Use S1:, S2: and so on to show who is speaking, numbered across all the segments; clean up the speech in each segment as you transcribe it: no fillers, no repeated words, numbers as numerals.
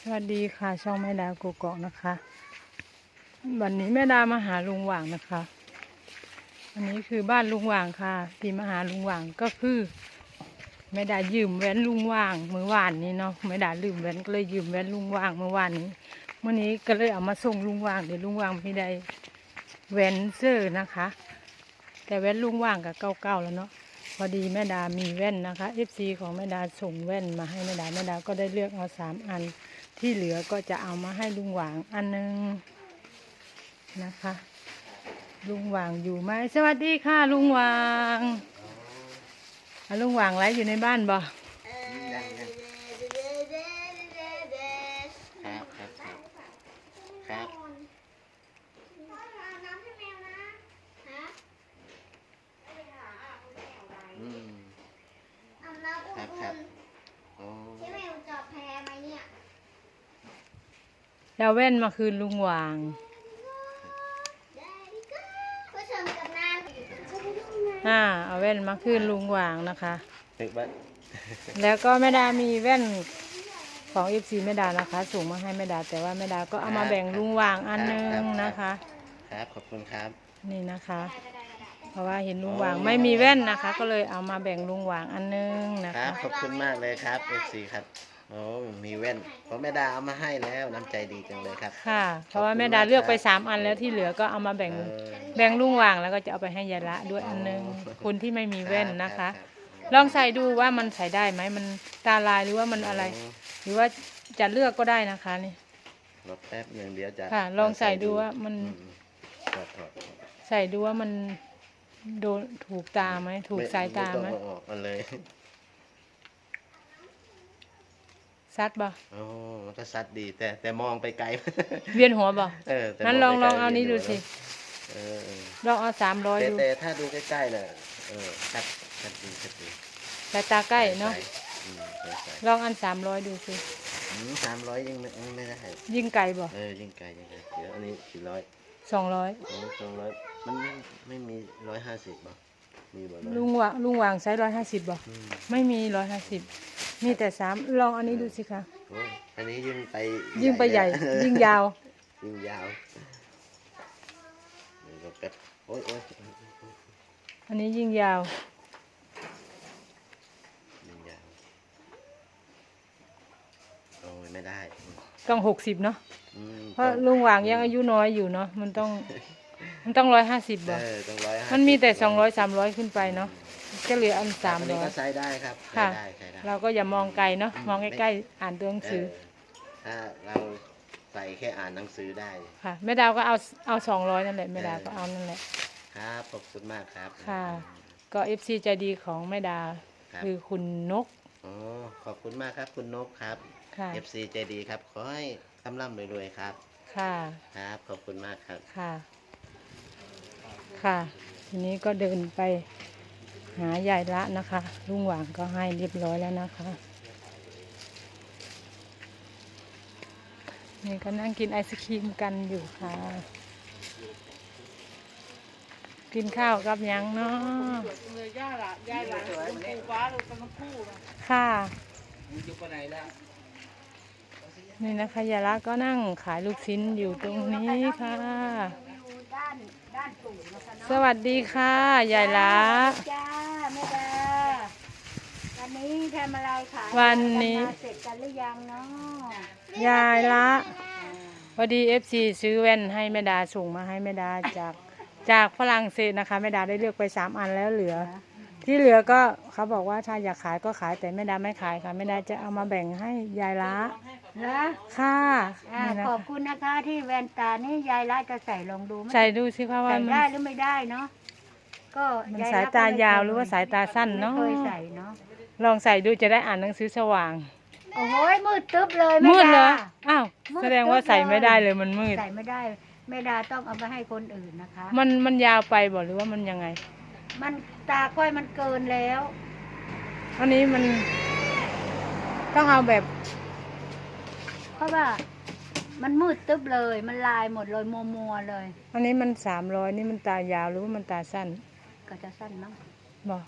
S1: วัสดีค่ะช่องแม่ดากุกอกนะคะวันนี้แม่ดามาหาลุงหว่างนะคะอันนี้คือบ้านลุงหว่างค่ะที่มาหาลุงหว่างก็คือแม่ดายืมแว่นลุงหว่างเมื่อวานนี้เนาะแม่ดาลืมแว่นก็เลยยืมแว่นลุงหว่างเมื่อวานนี้ก็เลยเอามาส่งลุงหว่างเดี๋ยวลุงหว่างไม่ได้แว่นเสื้อนะคะแต่แว่นลุงหว่างกับเก่าๆแล้วเนาะพอดีแม่ดามีแว่นนะคะ FC ของแม่ดาส่งแว่นมาให้แม่ดาก็ได้เลือกเอา3 อันที่เหลือก็จะเอามาให้ลุงหว่างอันนึงนะคะลุงหว่างอยู่ไหมสวัสดีค่ะลุงหว่างลุงหว่างไลฟ์อยู่ในบ้านบ่
S2: ครับโอ้
S1: แล้วแว่นมาคืนลุงหว่างเอาแว่นมาคืนลุงหว่างนะคะแล้วก็แม่ดามีแว่นของFCแม่ดานะคะส่งมาให้แม่ดาแต่ว่าแม่ดาก็เอามาแบ่งลุงหว่างอันนึงนะคะ
S2: ครับขอบคุณครับ
S1: นี่นะคะเพราะว่าเห็นลุงหว่างไม่มีแว่นนะคะก็เลยเอามาแบ่งลุงหว่างอันนึงนะคะ
S2: ขอบคุณมากเลยครับ FC ครับโอ้มีแว่นเพราะแม่ดาเอามาให้แล้วน้ำใจดีจังเลยครับ
S1: ค่ะเพราะว่าแม่ดาเลือกไป3 อันแล้วที่เหลือก็เอามาแบ่งลุงหว่างแล้วก็จะเอาไปให้ยายละด้วยอันนึงคนที่ไม่มีแว่นนะคะลองใส่ดูว่ามันใส่ได้ไหมมันตาลายหรือว่ามันอะไรหรือว่าจะเลือกก็ได้นะคะนี่
S2: รอแป๊บนึงเดี๋ยวจะ
S1: ค่ะลองใส่ดูว่ามันใส่ดูว่ามันโดนถูกตาไหมถูกสายตาไหม
S2: ออกมาเลย
S1: ซัดบ่
S2: โอ้มันก็ซัดดีแต่มองไปไกล
S1: เวียนหัวบ่นั้นลองเอานี้ดูสิลองเอา300ดู
S2: แต่ถ้าดูใกล้ๆน่ะชัดดี
S1: สายตาใกล้เนาะลองอัน300ดูสิ
S2: 300ยิ่งไม่ได้
S1: ยิ่งไกลบ่
S2: ยิ่งไกลเดี๋ยวอันนี้400
S1: 200
S2: 200มันไม่มี150บ่มีบ่
S1: ลุงหว่างใช้150บ่ไม่มี150มีแต่3ลองอันนี้ดูสิคะ
S2: อันนี้ยิ่งไป
S1: ใหญ่ยิ่งยาว
S2: แบบโอ้ย
S1: อันนี้ยิ่งยาว
S2: โอ้ยไม่ได้
S1: ต้อง60เนาะเพราะลุงหว่างยังอายุน้อยอยู่เนาะมันต้อง150บ่มันมีแต่200 300ขึ้นไปเนาะก็เหลืออัน300
S2: ก็ใช้ได้ครับ
S1: ค่ะเราก็อย่ามองไกลเนาะมองใกล้ๆอ่านตัวหนังสือ
S2: ถ้าเราใส่แค่อ่านหนังสือได้
S1: ค่ะแม่ดาวก็เอา200นั่นแหละแม่ดาวก็เอานั่นแหละ
S2: ครับขอบคุณมากครับ
S1: ค่ะก็ FC ใจดีของแม่ดาคือคุณนก
S2: ขอบคุณมากครับคุณนกครับ FC ใจดีครับขอให้ร่ำรวยๆครับ
S1: ค่ะ
S2: ครับขอบคุณมากครับ
S1: ค่ะทีนี้ก็เดินไปหายายละนะคะลุงหว่างก็ให้เรียบร้อยแล้วนะคะนี่ก็นั่งกินไอศครีมกันอยู่ค่ะกินข้าวกับยังเนาะค่ะนี่นะคะยายละก็นั่งขายลูกชิ้นอยู่ตรงนี้ค่ะสวัสดีค่ะยายละ
S3: จ้าแม่ดาวันนี้ทำอะไรขาย
S1: วันนี้
S3: เสร็จกันหรือยังเนาะ
S1: ยายละพอดี FC ซื้อแว่นให้แม่ดาส่งมาให้แม่ดาจากฝรั่งเศสนะคะแม่ดาได้เลือกไป3 อันแล้วเหลือที่เหลือก็เขาบอกว่าถ้าอยากขายก็ขายแต่แม่ดาไม่ขายค่ะแม่ดาจะเอามาแบ่งให้ยายละค่ะ
S3: ขอบคุณนะคะที่แว่นตานี่ยายละจะใส่ลองดูไหม
S1: ใส่ดูสิคะว่า
S3: มันได้หรือไม่ได้เนาะก็
S1: มันสายตายาวหรือว่าสายตาสั้นเนาะ
S3: เคยใส่เนาะ
S1: ลองใส่ดูจะได้อ่านหนังสือสว่าง
S3: โอ้โหมืดตึ๊บเลย
S1: มืดเลยอ้าวแสดงว่าใส่ไม่ได้เลยมันมืด
S3: ใส่ไม่ได้แม่ดาต้องเอาไปให้คนอื่นนะคะ
S1: มันยาวไปบ่หรือว่ามันยังไง
S3: มันตาค่อยมันเกินแล้ว
S1: อันนี้มันต้องเอาแบบ
S3: เพราะว่ามันมืดตึ๊บเลยมันลายหมดเลยมัวเลย
S1: อันนี้มัน300นี่มันตายาวหรือว่ามันตาสั้น
S3: ก็จะสั้นมั้ง
S1: บ่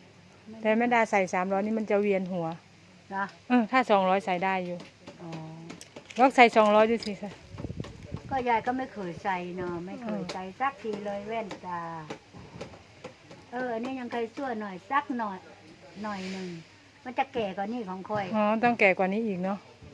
S1: แต่แม่ดาใส่300นี่มันจะเวียนหัว
S3: นะ
S1: ถ้า200ใส่ได้อยู่ลองใส่200ดูสิค่ะ
S3: ก็ยายก็ไม่เคยใส่เนาะไม่เคยใส่สักทีเลยแว่นตาอันนี้ยังเคยชั่วหน่อยสักหน่อยหนึ่งมันจะแก่กว่านี่ของคอย
S1: อ๋อต้องแก่กว่านี้อีกเนาะ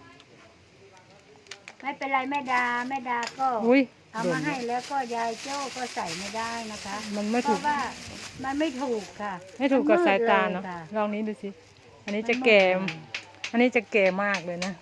S3: ไม่เป็นไรแม่ดาก็
S1: อุ้ย
S3: เอามาให้แล้วก็ยายโจ้ก็ใส่ไม่ได้นะคะ
S1: มันไม่
S3: เพ
S1: ถูก
S3: ราะว่ามันไม่ถูกค่ะ
S1: ไม่ถูกกับสายตาเนาะ
S3: มืดลยค่
S1: ลองนี้ดูสิอันนี้จะแก่ อันนี้จะแก่มากเลยนะ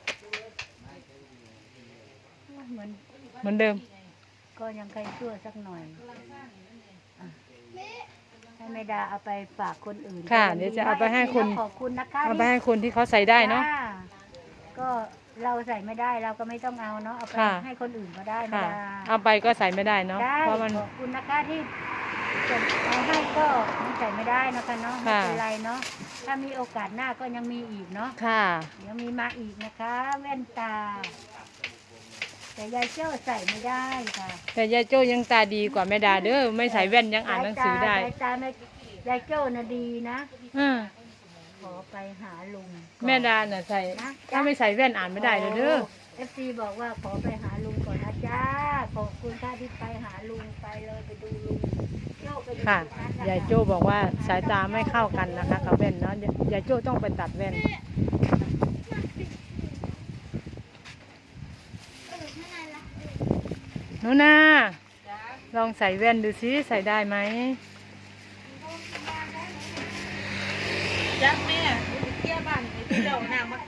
S3: เหมือน
S1: เหมือนเดิม
S3: ก็ยังเคยชั่วสักหน่อยอ่ะให้แม่ดาเอาไปฝากคนอื่น
S1: ค่ะ
S3: ก็ง
S1: เดี๋ยวจะเอาไปให้คน
S3: ขอบคุณนะคะ
S1: เอาไปให้คนที่เขาใส่ได้เนาะ
S3: จ้ก็เราใส่ไม่ได้เราก็ไม่ต้องเอาเนาะเอาไป
S1: ค่ะ
S3: ให้คนอื่นก็ได้แม่
S1: ค่ะ
S3: ดา
S1: เอาไปก็ใส่ไม่ได้เนาะ
S3: ได้
S1: เพราะมัน
S3: ขอบคุณนะคะที่ส่งเอาให้ก็ใส่ไม่ได้นะคะเนาะไม่
S1: ค่ะ
S3: เป็นไรเนาะถ้ามีโอกาสหน้าก็ยังมีอีกเนาะ
S1: ค่ะ
S3: เดี๋ยวมีมาอีกนะคะ แว่นตา แต่ยายเจ้าใส่ไม่ได้ค่ะ
S1: แต่ยายโจ้ยังตาดีกว่าแม่ดาเด้อไม่ใส่แว่นยังอ่านหนังสือได้
S3: ยายตาไม่ยายเจ้าน่ะดีนะ
S1: อืม
S3: ขอไปหาลุง
S1: แม่ดาน่ะใส่
S3: นะ
S1: ถ้าไม่ใส่แว่นอ่านไม่ได้เลยเด้อ
S3: เอฟซีบอกว่าขอไปหาลุงก่อนนะจ้าขอบคุณค่ะที่ไปหาลุงไปเลยไปดูลุงโจ้ไปดู
S1: ค่ะ
S3: ตรงนั้นนะคะ
S1: ยายโจ้บอกว่าสายตาไม่เข้ากันนะคะกับแว่นเนาะยายโจ้ต้องไปตัดแว่นหนูนาลองใส่แว่นดูสิใส่ได้ไหม
S4: จักแม่ไปเที่ยวบ้านไปเที่ยวน้ำมัน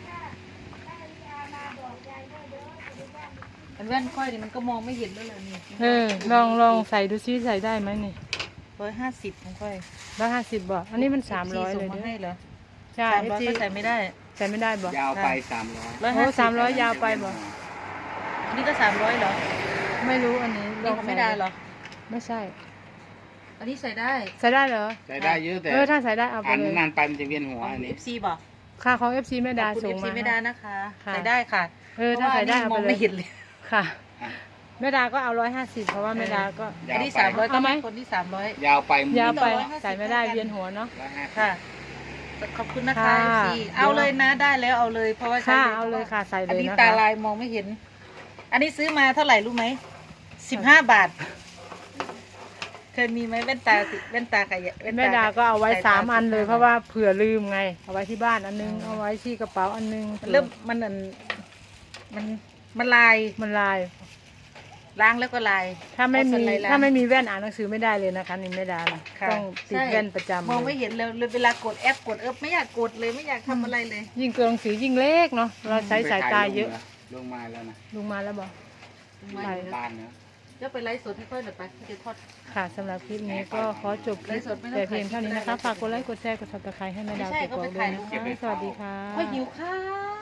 S4: อันแว่นค่อยนี่มันก็มองไม่เห็นแล้วเลยนี่
S1: ลองใส่ดูสิใส่ได้ไหมนี่
S4: 150ของค่อย
S1: 150บ่อันนี้มัน300
S4: ส่
S1: เล
S4: ง
S1: ย
S4: มา
S1: เด้
S4: ให้
S1: อ
S4: เหรอ
S1: ใช่
S4: 300ก็ใส่ไม่ได้
S1: ใส่ไม่ได้บ่
S5: ยาวไป300
S1: โอ้300ยาวไปบ่
S4: อันนี้ก็300เหรอ
S1: ไม่รู้อันนี้
S4: นี่ของไม่ได้เหรอ
S1: ไม่ใช่
S4: อันนี้ใส่ได้
S1: ใส่ได้เหรอ
S5: ใช้ได้เยอะแต่
S1: ถ้าใส่ได้เอาไป
S5: อ่าน
S1: เลย
S5: นานไปมันจะเวียนหัว
S4: ของ
S5: อันนี้
S4: FC บอก
S1: ค่าของ FC แม่ดา
S4: ขอบคุณ
S1: ส่ง
S4: FC
S1: มา
S4: ไม่ได้นะคะ
S1: ค่ะ
S4: ใส่ได้ค่ะ
S1: ถ้าใส่ได้
S4: เพ
S1: เอา
S4: ราะว่านี่มอง
S1: ไปเล
S4: ไม่
S1: ย
S4: เห็นเลย
S1: ค่ะ
S5: อ่ะ
S1: แม่ดาก็เอา150เพราะว่าแม่ดาก็
S5: ยา
S4: อัน
S5: ว
S4: นี้
S5: ไป
S4: 300ก็
S1: เอาไหม
S4: ให้คนที่300
S5: ยาวไป
S1: ยาวไป
S4: 150
S1: ใส่ไม่ได้เวียนหัวเนาะ
S5: 150
S4: ค่ะ ขอบคุณนะคะ
S1: ค่ะ
S4: FC เอาเลยนะได้แล้วเอาเลยเพราะว่าใช้
S1: ค่ะ
S4: ลย
S1: เอาเลยค่ะใส่เล
S4: อัน
S1: ย
S4: นี้
S1: นะ
S4: ตา
S1: คะ
S4: ลายมองไม่เห็น อันนี้ซื้อมาเท่าไหร่รู้ไหม15 บาท เคยมีไหมแว่นตาแว่นตากับแว่นตา
S1: แม่ดาก็เอาไว้
S4: สยต
S1: 3 อันเลยเพราะว่าเผื่อลืมไงเอาไว้ที่บ้านอันนึงเอาไว้ที่กระเป๋าอันนึง
S4: มันเริ่มมันอันมันลาย
S1: มันลาย
S4: ล้างแล้วก็ลาย
S1: ถ้าไม่
S4: เอ
S1: มี
S4: สไลด์ล้ง
S1: ถ้าไม่มีแว่นอ่านหนังสือไม่ได้เลยนะคะนี่แม่ดานะ
S4: ค่ะ
S1: ต้องติด
S4: ใช่
S1: แว่นประจำ
S4: มองไม่
S1: เลย
S4: เห็นเลยเวลากดแอปกดไม่อยากกดเลยไม่อยากทำอะไรเลย
S1: ยิ่งตัวหนังสือยิ่งเล็กเนาะเราใช้สายตาเยอะ
S5: ลงมาแล้วนะ
S1: ลุงมาแล้วบอก ไป
S5: บ้านนะ
S4: เดี๋ยวไปไลฟ์สดให้ค่อยหน่อยไปจะทอด
S1: ค่ะสำหรับคลิปนี้ก็ขอจบคลิป
S4: ไลฟ์สดไม่ต้อง
S1: แต่เพียง
S4: ถ่าย
S1: เท่านี้นะคะ ฝากกดไลค์กดแชร์กดซับสไครต์ให้แม่ดาว
S4: ไม่ใช่
S1: กดก
S4: ก็
S1: อก
S4: ไป
S1: ด้วย
S4: ถ่าย
S1: นะคะสวัสดีค่ะ
S4: ค่อยหิวข้าว